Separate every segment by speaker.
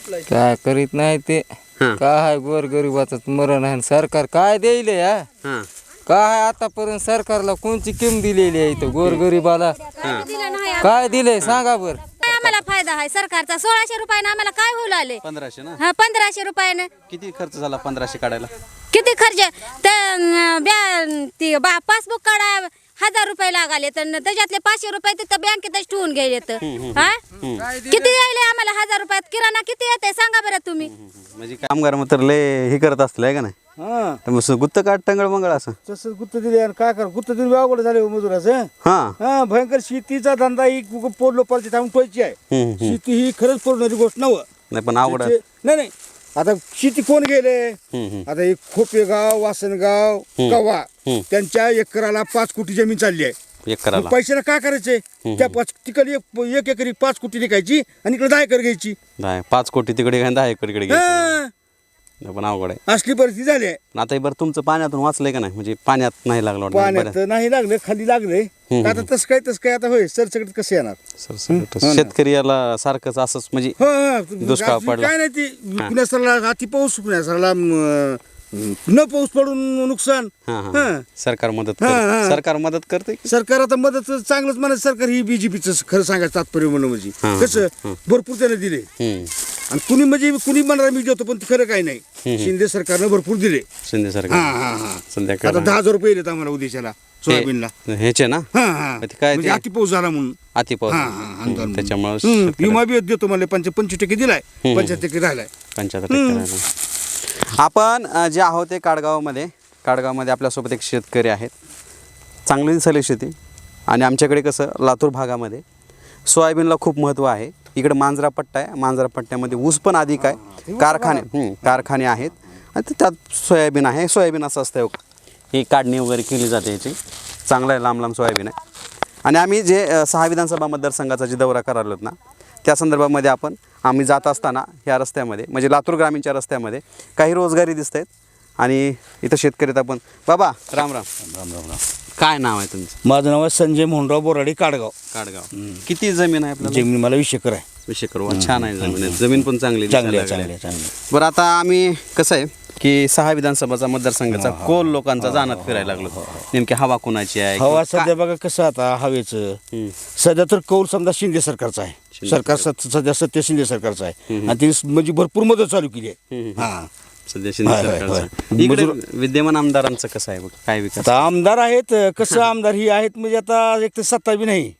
Speaker 1: काय करीत नाही ते काय गोरगरिबाचं मरण आहे सरकार काय देईल या काय आतापर्यंत सरकारला कोणची किंमत दिलेली आहे इथं गोरगरिबाला काय दिलंय सांगा बर
Speaker 2: आम्हाला फायदा आहे सरकारचा 1600 रुपयाने आम्हाला काय होऊ लागले
Speaker 3: 1500 ना
Speaker 2: हा 1500 रुपयाने
Speaker 3: किती खर्च झाला 1500 काढायला
Speaker 2: किती खर्च ती पासबुक काढा 1000 रुपये लागाले तर त्याच्यातले 500 रुपये तिथं बँकेतच ठेवून घ्यायचे किती यायले आम्हाला 1000 रुपयात किराणा किती येते सांगा बरं तुम्ही
Speaker 3: म्हणजे कामगार मात्र लय हे करत असलं का नाही मग गुत्त काढ टंगळ मंगळ असं
Speaker 4: तसं गुत्त दिले आणि काय कर गुत्त दिले अवघड झाले मजुराचं हा भयंकर शेतीचा धंदा ही पोर लोकांची थांबून पैसे आहे शेती ही खरंच पोरणारी गोष्ट
Speaker 3: नाही पण आवड
Speaker 4: नाही आता शेती कोण गेले आता एक खोपेगाव वासनगाव कवा त्यांच्या एकराला 5 कोटी जमीन चालली आहे
Speaker 3: एकराला
Speaker 4: पैशाला काय करायचंय त्या 5 तिकडे एक एकरी 5 कोटी विकायची आणि इकडे 10 एकर घ्यायची
Speaker 3: 5 कोटी तिकडे 10 एकर इकडे पण अवघड आहे
Speaker 4: असली परिस्थिती झाली आहे
Speaker 3: आता बरं तुमचं पाण्यातून वाचलंय का नाही म्हणजे पाण्यात नाही लागलं
Speaker 4: पाण्यात नाही लागलं खाली लागले आता तसं काय आता होय सरसकट कसं येणार
Speaker 3: शेतकरी याला सारखंच असंच म्हणजे दुष्काळ पडला
Speaker 4: काय नाही ती पुण्यासरला अति पाऊस पुण्यासरला न पाऊस पडून नुकसान
Speaker 3: सरकार मदत करते
Speaker 4: सरकार आता मदत चांगलंच म्हणत सरकार ही बीजेपीचं खरं सांगायचं तात्पर्य म्हणून म्हणजे कसं भरपूर त्याने दिले आणि कुणी म्हणजे कुणी म्हणणार मी देतो पण खरं काही नाही शिंदे सरकारनं भरपूर दिले
Speaker 3: शिंदे सरकार
Speaker 4: आता 10,000 रुपये येत आम्हाला उद्याच्याला सोयाबीनला
Speaker 3: ह्याचे ना
Speaker 4: काय अति पाऊस झाला म्हणून
Speaker 3: अति पाऊस त्याच्यामुळे
Speaker 4: विमा बी देतो मला 25% दिलाय 75% राहिलाय
Speaker 3: 75% आपण जे आहोत ते काडगावमध्ये आपल्यासोबत एक शेतकरी आहेत चांगली दिसली शेती आणि आमच्याकडे कसं लातूर भागामध्ये सोयाबीनला खूप महत्त्व आहे इकडे मांजरा पट्टा आहे मांजरा पट्ट्यामध्ये ऊस पण अधिक आहे कारखाने आहेत आणि त्यात सोयाबीन आहे सोयाबीन असं असतं ही काढणी वगैरे केली जाते याची चांगला आहे लांब सोयाबीन आहे आणि आम्ही जे 6 विधानसभा मतदारसंघाचा जे दौरा करायला ना त्या संदर्भामध्ये आम्ही जात असताना ह्या रस्त्यामध्ये म्हणजे लातूर ग्रामीणच्या रस्त्यामध्ये काही रोजगारी दिसत आहेत आणि इथं शेतकरीत आपण बाबा राम काय नाव आहे तुमचं
Speaker 4: माझं नाव आहे संजय मोहनराव बोराडे काडगाव
Speaker 3: किती जमीन आहे आपल्याला
Speaker 4: जमीन मला 20 एकर आहे
Speaker 3: 20 एकर छान आहे जमीन पण चांगली बरं आता आम्ही कसं आहे की 6 विधानसभाचा मतदारसंघाचा कोल लोकांचा जाणत फिरायला लागलो नेमकी हवा कोणाची आहे
Speaker 4: हवा सध्या बघा कसं आता हवेचं सध्या तर कौल समजा शिंदे सरकारचा आहे सरकार सध्या सत्य शिंदे सरकारचं आहे आणि ती म्हणजे भरपूर मदत चालू केली आहे
Speaker 3: सध्या शिंदे सरकारचं इकडे विद्यमान आमदारांचं कसं आहे काय विकास
Speaker 4: आता आमदार आहेत कसं आमदार ही आहेत म्हणजे आता एक तर सत्ता बी नाही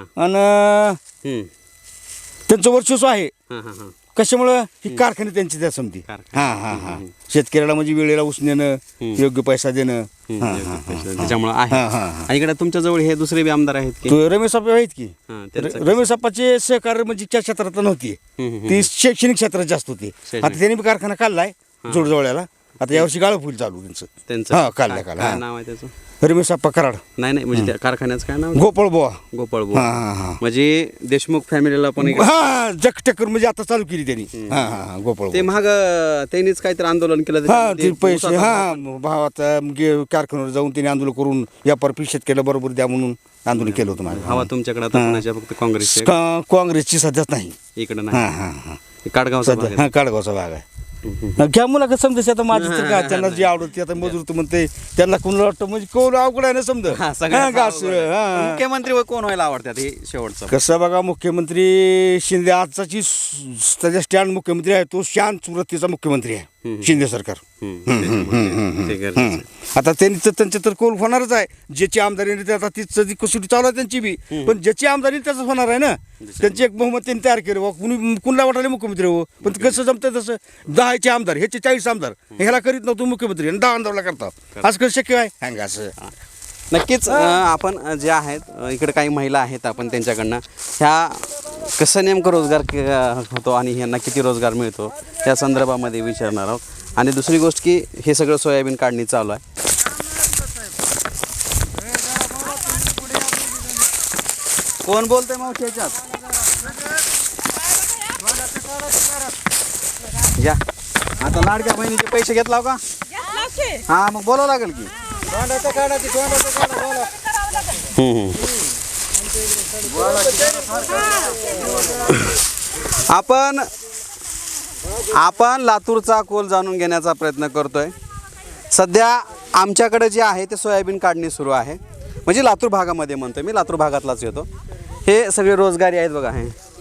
Speaker 4: आणि त्यांचं वर्चस्व आहे कशामुळं ही कारखाने त्यांची त्या समती शेतकऱ्याला म्हणजे वेळेला ऊस नेणं योग्य पैसा देणं
Speaker 3: त्याच्यामुळे आहे इकडे तुमच्या जवळ हे दुसरे बी आमदार आहेत की
Speaker 4: रमेश आप्पा आहेत की रमेश आप्पाचे सहकार्य म्हणजे त्या क्षेत्रात नव्हती ती शैक्षणिक क्षेत्रात जास्त होती आता त्यांनी बी कारखाना काढलाय जोडजवळ्याला आता यावर्षी गाळं फुल चालू त्यांचं काढलं
Speaker 3: नाव आहे त्याचं
Speaker 4: रमेश आप्पा कराड
Speaker 3: नाही म्हणजे त्या कारखान्याचं काय नाव
Speaker 4: गोपाळ बुवा
Speaker 3: म्हणजे देशमुख फॅमिलीला पण
Speaker 4: जगटेकर म्हणजे आता चालू केली त्यांनी गोपाळ
Speaker 3: ते महाग त्यांनीच काहीतरी आंदोलन केलं
Speaker 4: पैसे भावात कारखान्यावर जाऊन त्यांनी आंदोलन करून व्यापार शेतकऱ्याला बरोबर द्या म्हणून आंदोलन केलं होतं माझं
Speaker 3: हवा तुमच्याकडे आता फक्त
Speaker 4: काँग्रेसची सध्याच नाही
Speaker 3: इकडे नाही
Speaker 4: काडगावचा भाग आहे घ्या मुलाखत समजायचं आता माझी तर काय त्यांना जे आवडते आता मजूर तर म्हणते त्यांना कोणाला वाटतं म्हणजे कोण अवघड आहे ना समजा
Speaker 3: मुख्यमंत्री कोण व्हायला आवडतात हे शेवटचं
Speaker 4: कसं बघा मुख्यमंत्री शिंदे आजचाची त्याच्या स्टँड मुख्यमंत्री आहे तो शांत वृत्तीचा मुख्यमंत्री आहे शिंदे सरकार आता त्यांचे तर कोल होणारच आहे ज्याची आमदारी आता ती कसोटी चालू आहे त्यांची बी पण ज्याची आमदारी त्याच होणार आहे ना त्यांची एक बहुमत त्यांनी तयार केलं कुणाला वाटायला मुख्यमंत्री हो पण कसं जमतं तसं 10चे आमदार ह्याचे 40 आमदार ह्याला करीत नव्हतो मुख्यमंत्री आणि 10 आमदारला करता असं कसं शक्य आहे हँग असं
Speaker 3: नक्कीच आपण जे आहेत इकडे काही महिला आहेत आपण त्यांच्याकडनं ह्या कसं नेमकं रोजगार होतो आणि ह्यांना किती रोजगार मिळतो त्या संदर्भामध्ये विचारणार आहोत आणि दुसरी गोष्ट की हे सगळं सोयाबीन काढणी चालू आहे कोण बोलतंय मावशी ह्याच्यात घ्या आता लाडक्या बहिणीचे पैसे घेतला का हा मग बोलावं लागेल की आपण आपण लातूरचा कोल जाणून घेण्याचा प्रयत्न करतोय. सध्या आमच्याकडे जे आहे ते सोयाबीन काढणी सुरू आहे, म्हणजे लातूर भागामध्ये म्हणतोय मी, लातूर भागातलाच येतो. हे सगळे रोजगारी आहेत बघा.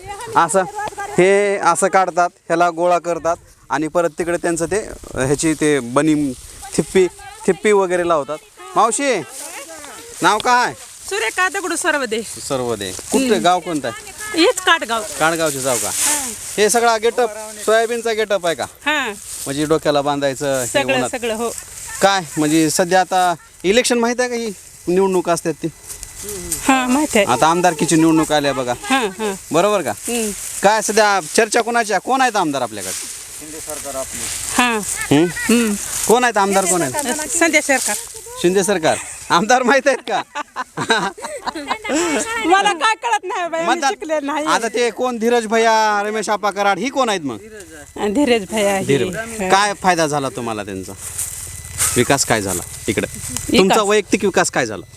Speaker 3: हे असं काढतात, ह्याला गोळा करतात आणि परत तिकडे त्यांचं ते ह्याची ते बनी थिप्पी वगैरे लावतात. मावशी नाव काय?
Speaker 5: सुरेखा दगडू सर्वदे.
Speaker 3: कुठं गाव कोणतं आहे?
Speaker 5: हेच काटगाव.
Speaker 3: काणगावचे जाव का? हे सगळा गेटअप सोयाबीनचा गेटअप आहे का?
Speaker 5: हा
Speaker 3: म्हणजे डोक्याला बांधायचं हे
Speaker 5: सगळं
Speaker 3: उन्हात.
Speaker 5: सगळं हो.
Speaker 3: काय म्हणजे सध्या आता इलेक्शन माहित आहे का? ही निवडणूक असतात ती
Speaker 5: हा माहिती आहे.
Speaker 3: आता आमदारकीची निवडणूक आल्या बघा,
Speaker 5: हा हा
Speaker 3: बरोबर का? काय सध्या चर्चा कोणाच्या? कोण आहेत आमदार आपल्याकडे?
Speaker 5: हा
Speaker 3: कोण आहेत आमदार? कोण आहेत?
Speaker 5: संध्या सरकार.
Speaker 3: शिंदे सरकार आमदार माहित आहेत का?
Speaker 5: मला काय कळत नाही बाई, आम्ही शिकले
Speaker 3: मतदान
Speaker 5: नाही.
Speaker 3: आता ते कोण? धीरज भैया, रमेश आप्पा कराड, ही कोण आहेत मग?
Speaker 5: धीरज भैया
Speaker 3: काय फायदा झाला तुम्हाला त्यांचा? विकास काय झाला इकडे? तुमचा वैयक्तिक विकास काय झाला?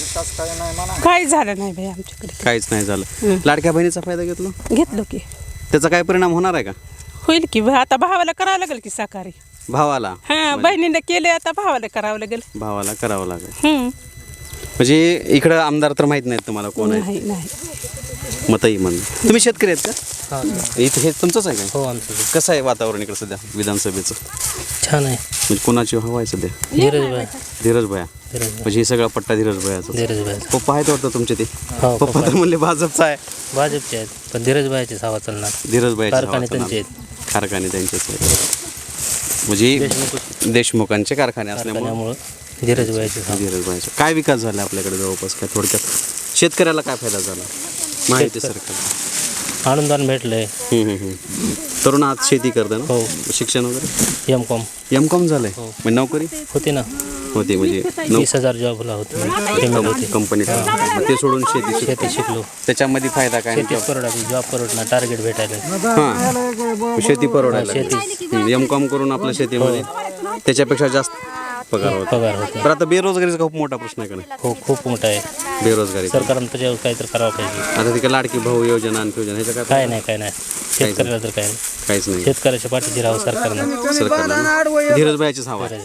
Speaker 5: काही झालं नाही बाई आमच्याकडे.
Speaker 3: काहीच नाही झालं. लाडक्या बहिणीचा फायदा
Speaker 5: घेतलो की
Speaker 3: त्याचा काय परिणाम होणार आहे का?
Speaker 5: होईल की आता भावाला करावं लागेल की साकारी.
Speaker 3: भावाला?
Speaker 5: हा बहिणीने केले, आता भावाला करावं लागेल.
Speaker 3: भावाला करावं लागेल. म्हणजे इकडं आमदार तर माहित नाहीत तुम्हाला कोण आहे?
Speaker 5: नाही नाही.
Speaker 3: मतही म्हणून. तुम्ही शेतकरी आहेत का? इथे हे तुमचंच आहे का?
Speaker 1: हो आमचं
Speaker 3: कसं आहे वातावरण इकडे सध्या विधानसभेचं?
Speaker 1: छान आहे.
Speaker 3: म्हणजे कोणाची हवा आहे सध्या? धीरज भैया. म्हणजे हे सगळा पट्टा धीरज भैयाचा. पप्पा आहेत वाटतं तुमचे ते? पप्पा तर म्हणले भाजपचा आहे.
Speaker 1: भाजपचे आहेत पण धीरजभाईची हवा चालणार.
Speaker 3: धीरज भैया
Speaker 1: कारखाने त्यांचे आहेत.
Speaker 3: कारखाने त्यांचेच आहेत. म्हणजे देशमुखांचे कारखाने असल्यामुळे
Speaker 1: त्यामुळं धीरजभाईची हवा.
Speaker 3: धीरज भैयाचा काय विकास झाला आपल्याकडे जवळपास? काय थोडक्यात शेतकऱ्याला काय फायदा झाला माहिती सरकार?
Speaker 1: अनुदान भेटलंय.
Speaker 3: तरुण आज शेती करतं ना?
Speaker 1: हो.
Speaker 3: शिक्षण वगैरे
Speaker 1: M.Com
Speaker 3: M.Com झालंय. म्हणजे नोकरी
Speaker 1: होती ना,
Speaker 3: होती म्हणजे
Speaker 1: 20,000 जॉबला होते, पेमेंट होती.
Speaker 3: कंपनीत ते सोडून शेती
Speaker 1: शिकलो.
Speaker 3: त्याच्यामध्ये फायदा काय?
Speaker 1: शेतीच परवडायची, जॉब परवडणार, टार्गेट भेटायला.
Speaker 3: हां शेती परवडायला. M.Com करून आपल्या शेतीमध्ये त्याच्यापेक्षा जास्त पगार होता. तर आता बेरोजगारीचा खूप मोठा प्रश्न आहे का नाही?
Speaker 1: हो खूप मोठा आहे.
Speaker 3: बेरोजगारी
Speaker 1: सरकारनं त्याच्यावर काहीतरी करावं पाहिजे.
Speaker 3: आता तिकडे लाडकी भाऊ योजना आणि योजना ह्याचं
Speaker 1: काय नाही शेतकऱ्याला तर काय नाही.
Speaker 3: काहीच नाही.
Speaker 1: शेतकऱ्याच्या पाठीशी राहावं सरकारनं.
Speaker 3: सरकारला धीरज भाईची हवा आहे.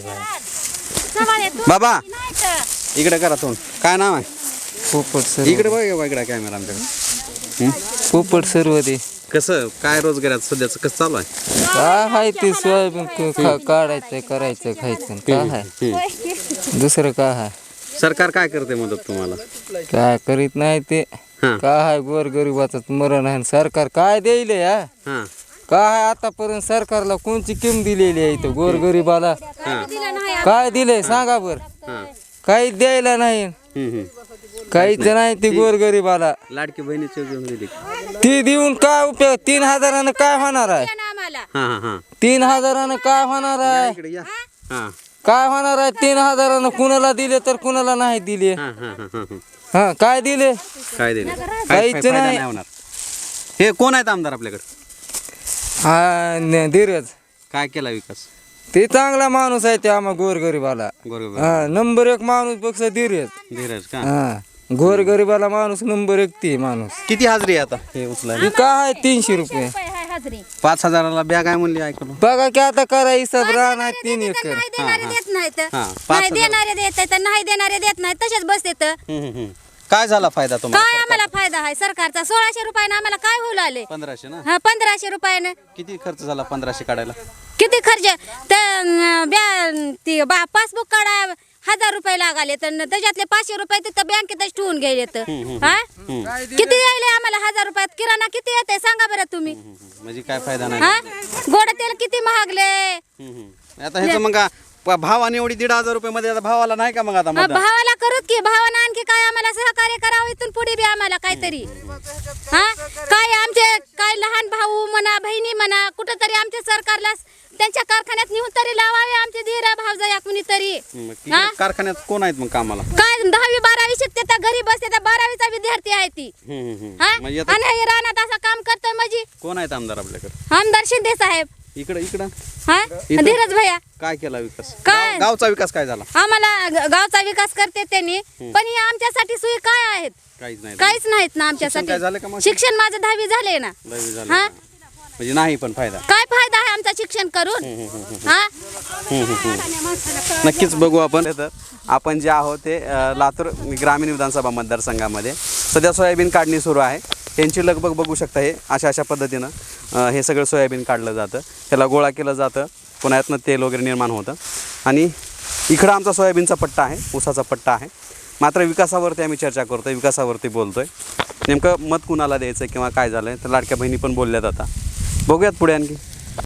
Speaker 3: बाबा इकडे करा तोंड. काय नाव आहे?
Speaker 1: पोपट सर.
Speaker 3: इकडे बघा इकडे कॅमेरा आमच्याकडे.
Speaker 1: पोपट सर्व ते
Speaker 3: कसं काय रोजगारात सध्याचं कसं चालू आहे?
Speaker 1: काय आहे ते सोयाबीन काढायचं, करायचं, खायचं. काय आहे दुसरं? काय आहे?
Speaker 3: सरकार काय करते मदत तुम्हाला?
Speaker 1: काय करीत नाही ते. काय आहे गोरगरिबाचं मरण आहे. सरकार काय देईल या? काय आतापर्यंत सरकारला कोणची किंमत दिलेली आहे इथं गोरगरिबाला? काय दिलंय सांगा बर? काही द्यायला नाही, काहीच नाही. ती गोरगरिबाला
Speaker 3: लाडकी बहिणीची
Speaker 1: ती देऊन काय उपयोग? 3,000 काय होणार आहे? 3,000 काय होणार आहे? काय होणार आहे 3,000? कुणाला दिले तर कुणाला नाही दिले. हा काय दिले?
Speaker 3: काय दिले?
Speaker 1: काहीच नाही.
Speaker 3: हे कोण आहेत आमदार आपल्याकडे?
Speaker 1: हा धीरज.
Speaker 3: काय केला विकास?
Speaker 1: ते चांगला माणूस आहे ते आम्हा गोरगरिबाला. हा नंबर 1 माणूस बघ धीरज.
Speaker 3: धीरज का?
Speaker 1: हा गोरगरिबाला माणूस नंबर 1 ती माणूस.
Speaker 3: किती हाजरी आहे आता हे उचलायला?
Speaker 1: काय आहे 300 रुपये.
Speaker 3: 5,000ला बॅग आहे म्हणली ऐकलं.
Speaker 1: बघा की आता करा हिसाब. राहणार 3 एकर.
Speaker 2: नाही देणारे देत नाहीत,
Speaker 3: हां,
Speaker 2: नाही देणारे देत आहेत, नाही देणारे देत नाहीत, तसेच बसतेत.
Speaker 3: काय झाला फायदा तुम्हाला?
Speaker 2: काय आम्हाला फायदा आहे सरकारचा? 1,600 रुपयानं आम्हाला काय होऊ लागले?
Speaker 3: 1500 ना?
Speaker 2: हा 1,500 रुपयानं.
Speaker 3: किती खर्च झाला 1500 काढायला?
Speaker 2: किती खर्च? ती पासबुक काढा 1,000 रुपये लागाले, तर त्याच्यातले 500 रुपये तिथं बँकेतच ठेवून घ्यायचे. हा किती यायले आम्हाला 1,000 रुपयात? किराणा किती येते सांगा बरं तुम्ही?
Speaker 3: म्हणजे काय फायदा नाही.
Speaker 2: हा गोड तेल किती महागले.
Speaker 3: आता ह्याचं मग भावाने एवढी 1,500 रुपये मध्ये आता भावाला नाही का मग आता मतदान?
Speaker 2: भावाला करूत की भावानं आणखी काय आम्हाला सहकार्य करावं इथून पुढे बी आम्हाला काहीतरी. हा काय आमचे काय लहान भाऊ म्हणा, बहिणी म्हणा, कुठंतरी आमच्या सरकारला त्यांच्या कारखान्यात नेऊन तरी लावावे आमचे धीरा भावजया कुणीतरी.
Speaker 3: मग तिकडे कारखान्यात कोण आहेत मग कामाला?
Speaker 2: काय 10वी 12वी शिकते तर घरी बसते तर 12वीचा विद्यार्थी आहे ती. हा
Speaker 3: म्हणजे आता
Speaker 2: आणि हे रानात असं काम करतोय म्हणजे.
Speaker 3: कोण आहेत आमदार आपल्याकडे?
Speaker 2: आमदार शिंदे साहेब.
Speaker 3: इकडं
Speaker 2: हा धीरज भैया.
Speaker 3: काय केला विकास?
Speaker 2: काय?
Speaker 3: गावचा विकास काय झाला?
Speaker 2: आम्हाला गावचा विकास करते त्यांनी, पण हे आमच्यासाठी सोयी काय आहेत?
Speaker 3: काहीच नाही.
Speaker 2: काहीच नाहीत ना
Speaker 3: शिक्षण काय झालं का
Speaker 2: आमच्यासाठी.
Speaker 3: मग?
Speaker 2: शिक्षण माझं 10वी झाले ना.
Speaker 3: 10वी झालं
Speaker 2: हा
Speaker 3: म्हणजे नाही पण फायदा.
Speaker 2: काय फायदा आहे आमचा शिक्षण करून हा
Speaker 3: नक्कीच बघू आपण. तर आपण जे आहोत ते लातूर ग्रामीण विधानसभा मतदारसंघामध्ये सध्या सोयाबीन काढणी सुरू आहे. यांची लगबग बघू शकता. हे अशा पद्धतीनं हे सगळं सोयाबीन काढलं जातं, त्याला गोळा केलं जातं, पुन्हा यातनं तेल वगैरे निर्माण होतं. आणि इकडं आमचा सोयाबीनचा पट्टा आहे, ऊसाचा पट्टा आहे. मात्र विकासावरती आम्ही चर्चा करतो आहे, विकासावरती बोलतो आहे. नेमकं मत कुणाला द्यायचं किंवा काय झालं आहे तर लाडक्या बहिणी पण बोलल्यात. आता बघूयात पुढे आणखी.